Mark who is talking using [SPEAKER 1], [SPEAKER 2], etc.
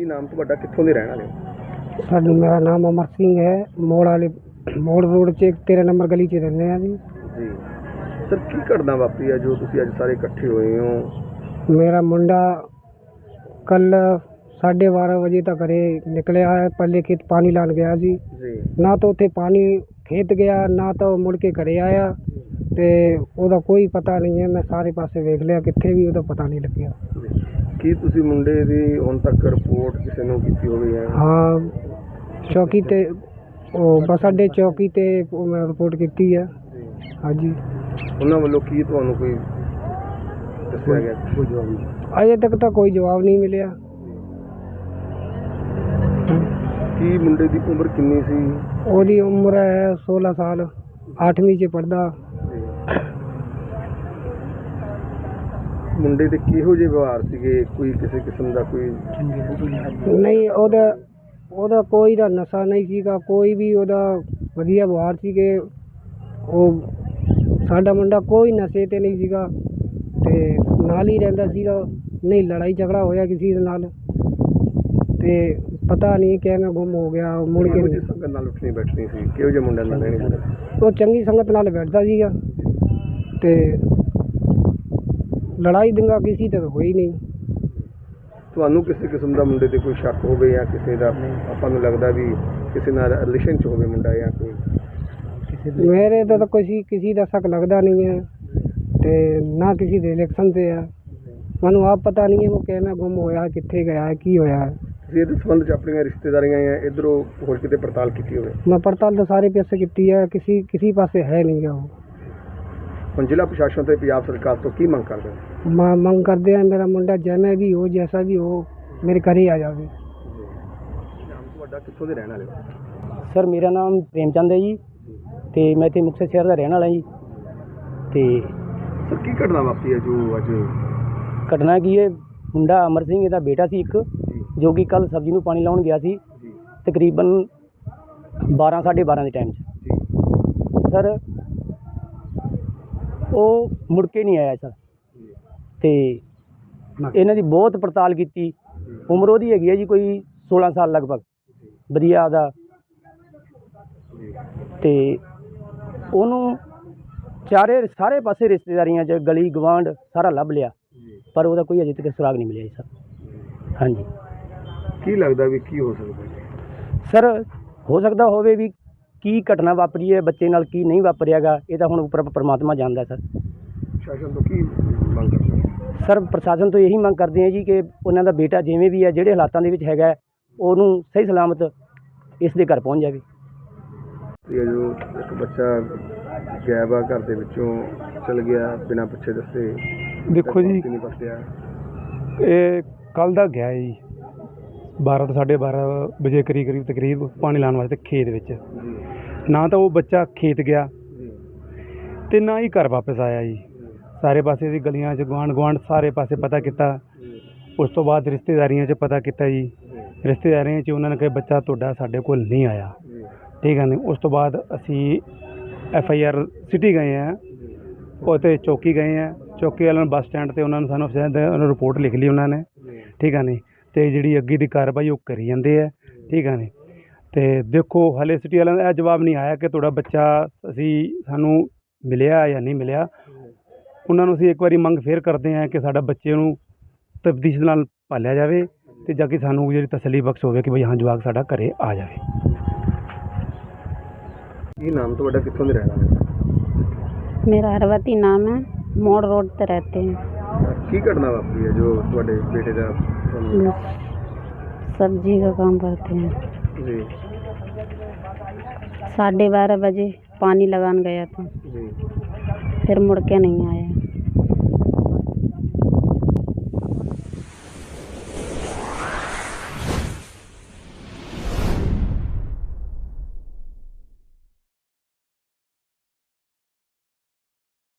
[SPEAKER 1] ਕੀ ਨਾਮ ਤੁਹਾਡਾ, ਕਿੱਥੋਂ ਦੇ ਰਹਿਣ ਵਾਲੇ ਹੋ?
[SPEAKER 2] सर मेरा नाम अमर सिंह है। मोड़ रोड च 13 नंबर गली च रहने हैं जी।
[SPEAKER 1] ਜੀ ਸਰ, ਕੀ ਘਟਨਾ ਵਾਪਰੀ ਹੈ ਜੋ ਤੁਸੀਂ ਅੱਜ ਸਾਰੇ ਇਕੱਠੇ ਹੋਏ ਹੋ?
[SPEAKER 2] मेरा मुंडा कल 12:30 बजे तक घरे निकलिया है। पहले खेत पानी लान गया जी।
[SPEAKER 1] ਜੀ
[SPEAKER 2] ना तो उत्थे पानी खेत गया ना तो मुड़ के घरे आया ते ओदा कोई पता नहीं है। मैं सारे पासे वेख लिया, कित्थे भी ओदा पता नहीं लग्या।
[SPEAKER 1] ਕੀ ਤੁਸੀਂ ਮੁੰਡੇ ਦੀ ਹੁਣ ਤੱਕ ਰਿਪੋर्ट ਕਿਸੇ ਨੂੰ ਕੀਤੀ ਹੋਵੇ ਹੈ?
[SPEAKER 2] हाँ चौकी ते बस अड्डे चौकी ते मैं रिपोर्ट की है। हाँ जी।
[SPEAKER 1] ਉਹਨਾਂ ਵੱਲੋਂ ਕੀ ਤੁਹਾਨੂੰ ਕੋਈ ਦੱਸਿਆ ਗਿਆ? ਕੋਈ ਜਵਾਬ ਨਹੀਂ।
[SPEAKER 2] अजे तक तो कोई जवाब नहीं मिले।
[SPEAKER 1] ਕੀ ਮੁੰਡੇ ਦੀ ਉਮਰ ਕਿੰਨੀ ਸੀ?
[SPEAKER 2] ओदी उम्र है 16 साल, 8वीं च पढ़दा।
[SPEAKER 1] ਮੁੰਡੇ ਦੇ ਕਿਹੋ ਜਿਹੇ ਵਿਵਹਾਰ ਸੀਗੇ? ਕੋਈ ਕਿਸੇ ਕਿਸਮ ਦਾ ਕੋਈ
[SPEAKER 2] नहीं ओदा कोई दा नशा नहीं सीगा, कोई भी ओदा वधिया व्यवहार सी कि ਉਹ ਸਾਡਾ ਮੁੰਡਾ ਕੋਈ ਨਸ਼ੇ ਤੇ ਨਹੀਂ ਸੀਗਾ ਤੇ ਨਾਲ ਹੀ ਰਹਿੰਦਾ ਸੀਗਾ। ਨਹੀਂ ਲੜਾਈ ਝਗੜਾ ਹੋਇਆ ਕਿਸੇ ਦੇ ਨਾਲ ਤੇ ਪਤਾ ਨਹੀਂ ਕਿਵੇਂ ਗੁੰਮ ਹੋ ਗਿਆ। ਮੁੜ ਕੇ
[SPEAKER 1] ਕਿਹੋ ਜਿਹੀ ਸੰਗਤ ਨਾਲ ਉੱਠਣੀ ਬੈਠਣੀ ਸੀ? ਕਿਹੋ ਜਿਹੇ ਮੁੰਡਿਆਂ ਨਾਲ ਰਹਿਣੀ ਸੀ?
[SPEAKER 2] ਉਹ ਚੰਗੀ ਸੰਗਤ ਨਾਲ ਬੈਠਦਾ ਸੀਗਾ ਤੇ ਲੜਾਈ ਦੰਗਾ ਕਿਸੇ ਤੇ ਹੋਈ ਨਹੀਂ।
[SPEAKER 1] ਤੁਹਾਨੂੰ ਕਿਸੇ ਕਿਸਮ ਦਾ ਮੁੰਡੇ ਤੇ ਕੋਈ ਸ਼ੱਕ ਹੋਵੇ ਜਾਂ ਕਿਸੇ ਦਾ ਆਪਾਂ ਨੂੰ ਲੱਗਦਾ ਵੀ ਕਿਸੇ ਨਾਲ ਰਿਲੇਸ਼ਨ 'ਚ ਹੋਵੇ ਮੁੰਡਾ ਜਾਂ ਕੋਈ?
[SPEAKER 2] मेरे तो किसी का शक लगता नहीं है ते ना किसी के इलेक्शन से है। मैं आप पता नहीं है वो कहना गुम होया, कित्थे गया है, की होया है।
[SPEAKER 1] ਤੁਸੀਂ ਇਹਦੇ ਸੰਬੰਧ 'ਚ ਆਪਣੀਆਂ ਰਿਸ਼ਤੇਦਾਰੀਆਂ ਜਾਂ ਇੱਧਰੋਂ ਹੋਰ ਕਿਤੇ ਪੜਤਾਲ ਕੀਤੀ ਹੋਵੇ?
[SPEAKER 2] मैं पड़ताल तो सारे पासे की है, किसी पासे है नहीं है वो।
[SPEAKER 1] ਹੁਣ ਜ਼ਿਲ੍ਹਾ ਪ੍ਰਸ਼ਾਸਨ ਤੇ ਪੰਜਾਬ ਸਰਕਾਰ ਤੋਂ ਕੀ ਮੰਗ ਕਰਦੇ ਹੋ?
[SPEAKER 2] मैं मंग करते हैं मेरा मुंडा जिमें भी हो, जैसा भी हो, मेरे घर ही आ जाए।
[SPEAKER 1] ਨਾਮ ਤੁਹਾਡਾ, ਕਿੱਥੋਂ ਦੇ ਰਹਿਣ ਵਾਲੇ ਹੋ?
[SPEAKER 2] सर मेरा नाम प्रेमचंद है जी ਤੇ ਮੈਂ ਇੱਥੇ ਮੁਕਤਸਰ ਸ਼ਹਿਰ ਦਾ ਰਹਿਣ ਵਾਲਾ ਜੀ। ਤੇ
[SPEAKER 1] ਸਰ, ਕੀ ਘਟਨਾ ਵਾਪਰੀ ਹੈ ਜੋ ਅੱਜ?
[SPEAKER 2] ਘਟਨਾ ਕੀ ਹੈ, ਮੁੰਡਾ ਅਮਰ ਸਿੰਘ ਇਹਦਾ ਬੇਟਾ ਸੀ ਇੱਕ, ਜੋ ਕਿ ਕੱਲ ਸਬਜ਼ੀ ਨੂੰ ਪਾਣੀ ਲਾਉਣ ਗਿਆ ਸੀ
[SPEAKER 1] ਜੀ
[SPEAKER 2] ਤਕਰੀਬਨ 12:30 ਦੇ ਟਾਈਮ 'ਚ। ਸਰ ਉਹ ਮੁੜ ਕੇ ਨਹੀਂ ਆਇਆ ਸਰ। ਤੇ ਇਹਨਾਂ ਦੀ ਬਹੁਤ ਪੜਤਾਲ ਕੀਤੀ। ਉਮਰ ਉਹਦੀ ਹੈਗੀ ਹੈ ਜੀ ਕੋਈ 16 ਸਾਲ ਲਗਭਗ, ਵਧੀਆ ਉਹਦਾ। ਤੇ ਉਹਨੂੰ ਸਾਰੇ ਪਾਸੇ ਰਿਸ਼ਤੇਦਾਰੀਆਂ 'ਚ ਗਲੀ ਗਵਾਂਢ ਸਾਰਾ ਲੱਭ ਲਿਆ, ਪਰ ਉਹਦਾ ਕੋਈ ਅਜੇ ਤੱਕ ਸੁਰਾਗ ਨਹੀਂ ਮਿਲਿਆ ਜੀ ਸਰ। ਹਾਂਜੀ।
[SPEAKER 1] ਕੀ ਲੱਗਦਾ ਵੀ ਕੀ ਹੋ ਸਕਦਾ ਜੀ?
[SPEAKER 2] ਸਰ ਹੋ ਸਕਦਾ ਹੋਵੇ ਵੀ ਕੀ ਘਟਨਾ ਵਾਪਰੀ ਹੈ ਬੱਚੇ ਨਾਲ, ਕੀ ਨਹੀਂ ਵਾਪਰਿਆਗਾ, ਇਹ ਤਾਂ ਹੁਣ ਉੱਪਰ ਪਰਮਾਤਮਾ ਜਾਣਦਾ ਸਰ।
[SPEAKER 1] ਪ੍ਰਸ਼ਾਸਨ ਤੋਂ ਕੀ ਮੰਗ ਕਰਦੇ ਹੋ?
[SPEAKER 2] ਸਰ ਪ੍ਰਸ਼ਾਸਨ ਤੋਂ ਇਹੀ ਮੰਗ ਕਰਦੇ ਹਾਂ ਜੀ ਕਿ ਉਹਨਾਂ ਦਾ ਬੇਟਾ ਜਿਵੇਂ ਵੀ ਹੈ, ਜਿਹੜੇ ਹਾਲਾਤਾਂ ਦੇ ਵਿੱਚ ਹੈਗਾ, ਉਹਨੂੰ ਸਹੀ ਸਲਾਮਤ ਇਸ ਦੇ ਘਰ ਪਹੁੰਚ ਜਾਵੇ।
[SPEAKER 1] ਇਹ ਜੋ ਇੱਕ ਬੱਚਾ ਗਾਇਬ ਆ ਘਰ ਦੇ ਵਿੱਚੋਂ ਚਲ ਗਿਆ ਬਿਨਾਂ ਪੁੱਛੇ ਦੱਸੇ।
[SPEAKER 3] ਦੇਖੋ ਜੀ,
[SPEAKER 1] ਨਹੀਂ ਪਤਾ
[SPEAKER 3] ਇਹ ਕੱਲ੍ਹ ਦਾ ਗਿਆ ਜੀ 12 ਤੋਂ 12:30 ਵਜੇ ਕਰੀਬ ਪਾਣੀ ਲਾਉਣ ਵਾਸਤੇ ਖੇਤ ਵਿੱਚ।
[SPEAKER 1] ਜੀ
[SPEAKER 3] ਨਾ ਤਾਂ ਉਹ ਬੱਚਾ ਖੇਤ ਗਿਆ
[SPEAKER 1] ਜੀ
[SPEAKER 3] ਅਤੇ ਨਾ ਹੀ ਘਰ ਵਾਪਸ ਆਇਆ ਜੀ। ਸਾਰੇ ਪਾਸੇ ਦੀ ਗਲੀਆਂ 'ਚ ਗੁਆਂਢ ਸਾਰੇ ਪਾਸੇ ਪਤਾ ਕੀਤਾ। ਉਸ ਤੋਂ ਬਾਅਦ ਰਿਸ਼ਤੇਦਾਰੀਆਂ 'ਚ ਪਤਾ ਕੀਤਾ ਜੀ। ਰਿਸ਼ਤੇਦਾਰੀਆਂ 'ਚ ਉਹਨਾਂ ਨੇ ਕਿਹਾ ਬੱਚਾ ਤੁਹਾਡਾ ਸਾਡੇ ਕੋਲ ਨਹੀਂ ਆਇਆ, ਠੀਕ ਹੈ। ਨਹੀਂ, ਉਸ ਤੋਂ ਬਾਅਦ ਅਸੀਂ FIR ਸਿਟੀ ਗਏ ਹਾਂ, ਉੱਥੇ ਚੌਕੀ ਗਏ ਹਾਂ। ਚੌਕੀ ਵਾਲਿਆਂ ਨੂੰ ਬੱਸ ਸਟੈਂਡ 'ਤੇ ਉਹਨਾਂ ਨੂੰ ਸਾਨੂੰ ਉਹਨਾਂ ਰਿਪੋਰਟ ਲਿਖ ਲਈ ਉਹਨਾਂ ਨੇ, ਠੀਕ ਹੈ। ਨਹੀਂ ਅਤੇ ਜਿਹੜੀ ਅੱਗੇ ਦੀ ਕਾਰਵਾਈ ਉਹ ਕਰੀ ਜਾਂਦੇ ਹੈ, ਠੀਕ ਹੈ। ਨਹੀਂ ਅਤੇ ਦੇਖੋ ਹਾਲੇ ਸਿਟੀ ਵਾਲਿਆਂ ਦਾ ਇਹ ਜਵਾਬ ਨਹੀਂ ਆਇਆ ਕਿ ਤੁਹਾਡਾ ਬੱਚਾ ਸਾਨੂੰ ਮਿਲਿਆ ਜਾਂ ਨਹੀਂ ਮਿਲਿਆ। ਉਹਨਾਂ ਨੂੰ ਅਸੀਂ ਇੱਕ ਵਾਰੀ ਮੰਗ ਫੇਰ ਕਰਦੇ ਹਾਂ ਕਿ ਸਾਡਾ ਬੱਚੇ ਨੂੰ ਤਫਤੀਸ਼ ਨਾਲ ਭਾਲਿਆ ਜਾਵੇ ਅਤੇ ਜਾ ਕੇ ਸਾਨੂੰ ਜਿਹੜੀ ਤਸੱਲੀ ਬਖਸ਼ ਹੋਵੇ ਕਿ ਬਈ ਹਾਂ ਜਵਾਕ ਸਾਡਾ ਘਰ ਆ ਜਾਵੇ।
[SPEAKER 1] ਕੀ ਨਾਮ ਤੁਹਾਡਾ, ਕਿੱਥੋਂ ਦੇ ਰਹਿਣ ਵਾਲੇ ਹੋ?
[SPEAKER 4] मेरा हरवती नाम है। मोड़ रोड पे रहते हैं।
[SPEAKER 1] ਕੀ ਘਟਨਾ ਵਾਪਰੀ ਹੈ ਜੋ ਤੁਹਾਡੇ ਬੇਟੇ ਦਾ?
[SPEAKER 4] सब्जी का काम करते हैं।
[SPEAKER 1] ਜੀ
[SPEAKER 4] 12:30 बजे पानी लगाने गया था,
[SPEAKER 1] ਜੀ
[SPEAKER 4] फिर मुड़ के नहीं आया।